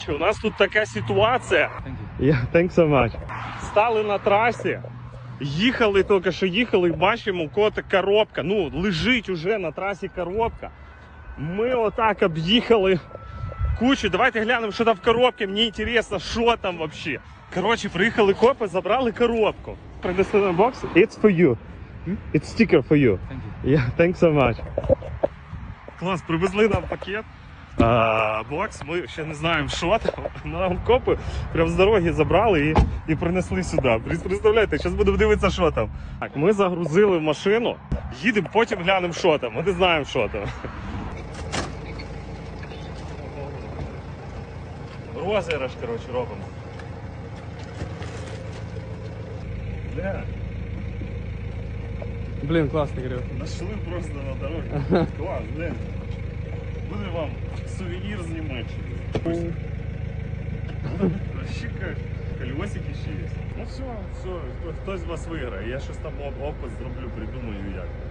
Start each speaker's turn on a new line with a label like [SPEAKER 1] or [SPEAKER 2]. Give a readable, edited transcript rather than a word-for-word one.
[SPEAKER 1] У нас тут така ситуація. Thanks so much. Стали на трасі, їхали, тільки що їхали, і бачимо, у кого-то коробка. Ну, лежить уже на трасі коробка. Ми отак об'їхали кучу. Давайте глянемо, що там в коробці. Мені цікаво, що там взагалі. Коротше, приїхали копи, забрали коробку. Принесли на бокс. It's for you. It's sticker for you. Thanks so much. Клас, привезли нам пакет. Бокс, ми ще не знаємо, що там. Нам копи прямо з дороги забрали і принесли сюди. Представляєте, зараз будемо дивитися, що там. Так, ми загрузили в машину, їдемо, потім глянемо, що там. Ми не знаємо, що там. Розіграш, коротше, робимо. Де?
[SPEAKER 2] Блін, класний гриб.
[SPEAKER 1] Нашли просто на дорогі. Клас, блин. Буде вам сувенір з Німеччини. Вообще как колесики ще є. Ну все, хтось з вас виграє. Я щось там опис зроблю, придумаю як.